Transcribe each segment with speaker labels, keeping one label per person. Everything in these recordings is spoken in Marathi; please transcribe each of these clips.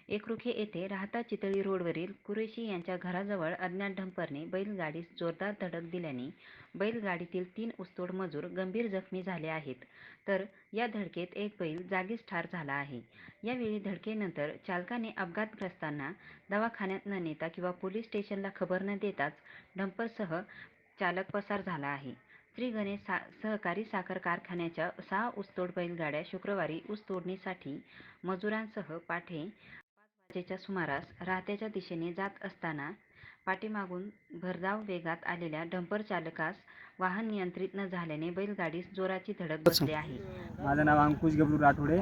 Speaker 1: एकरुखे येथे राहता चितळी रोडवरील कुरेशी यांच्या घराजवळ अज्ञात डंपरने बैलगाडीस जोरदार धडक दिल्याने बैलगाडीतील 3 ऊसतोड मजूर गंभीर जखमी झाले आहेत, तर या धडकेत एक बैल जागीच ठार झाला आहे. यावेळी धडकेनंतर चालकाने अपघातग्रस्तांना दवाखान्यात न नेता किंवा पोलीस स्टेशनला खबर न देताच डंपरसह चालक पसार झाला आहे. श्री गणेश सहकारी साखर कारखान्याच्या 6 ऊसतोड बैलगाड्या शुक्रवारी ऊस तोडणीसाठी मजुरांसह पाठे 5 वाजेच्या सुमारास राहत्याच्या दिशेने जात असताना पाठीमागून भरधाव वेगात आलेल्या डंपर चालकास वाहन नियंत्रित न झाल्याने बैलगाडीस जोराची धडक बसली आहे.
Speaker 2: माझं नाव अंकुश गबरू राठोडे.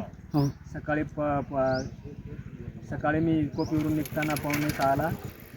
Speaker 2: सकाळी मी कोपीवरून निघताना 5:45ला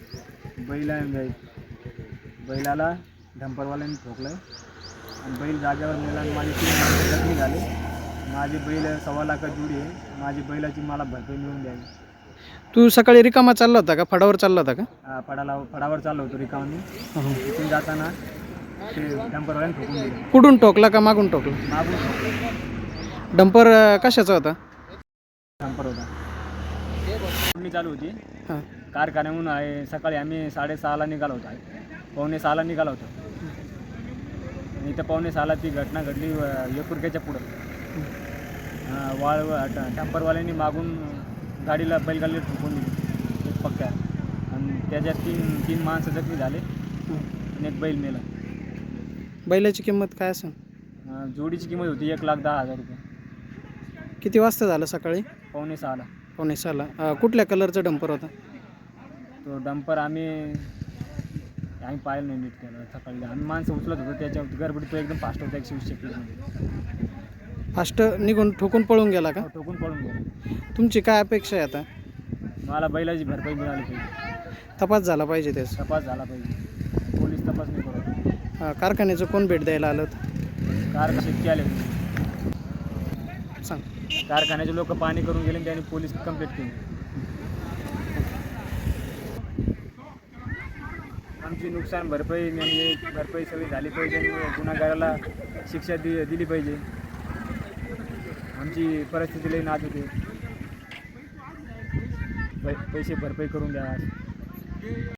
Speaker 2: बैलाला डंपरवाल्याने ठोकलं आणि बैल जागेवर नेला आणि माझे 3 माणसं जखमी झाले. माझे बैल 1.25 लाख जुडी आहे. माझी बैलाची मला भरपाई मिळून द्यावी.
Speaker 3: तू सकाळी रिकामा चालला होता का? फडावर चालला होता का?
Speaker 2: फडावर चाललो होतो रिकामी. तिथून जाताना ते डंपरवाल्याने ठोकून दिलं.
Speaker 3: कुठून ठोकला का मागून ठोकला?
Speaker 2: मागून.
Speaker 3: डंपर कशाचा होता?
Speaker 2: डंपर होता. मी चालू होती
Speaker 3: हां.
Speaker 2: कारखान्याहून आहे. सकाळी आम्ही 6:30ला निघालो होतो. 5:45ला निघालो होतो. आणि इथं 5:45ला ती घटना घडली एकरुख्याच्या पुढं. डंपरवाल्यांनी मागून बैलगाडीला ठोकून दिली एक पक्क्या, आणि त्याच्यात तीन माणसं जखमी झाले आणि एक बैल मेला.
Speaker 3: बैलाची किंमत काय असेल?
Speaker 2: जोडीची किंमत होती 1,10,000 रुपये.
Speaker 3: किती वाजता झालं सकाळी?
Speaker 2: 5:45ला.
Speaker 3: 5:45ला. कुठल्या कलरचा डंपर होता?
Speaker 2: तो डंपर आम्ही पाहिलं नाही नीट केलं. सकाळी आम्ही माणसं उचलत होतो, त्याच्या गडबडीत तो एकदम फास्ट होता. 120 स्पीडमध्ये
Speaker 3: फास्ट निघून ठोकून पळून गेला का?
Speaker 2: ठोकून पळून गेला.
Speaker 3: तुमची काय अपेक्षा आहे आता?
Speaker 2: मला बैलाची भरपाई मिळाली पाहिजे.
Speaker 3: तपास झाला पाहिजे त्याचा.
Speaker 2: तपास झाला पाहिजे. पोलीस तपास नाही करत.
Speaker 3: कारखान्याचं कोण भेट द्यायला आलं होतं?
Speaker 2: कारखाना शेतकी आले.
Speaker 3: सांग.
Speaker 2: कारखान्याचे लोक पाणी करून गेले आणि त्यांनी पोलीस कंप्लेंट केली. आमची नुकसान भरपाई सगळी झाली पाहिजे आणि गुन्हेगाराला शिक्षा दिली पाहिजे. आमची परिस्थिती लई नाजूक आहे. पैसे भरपाई करून द्या.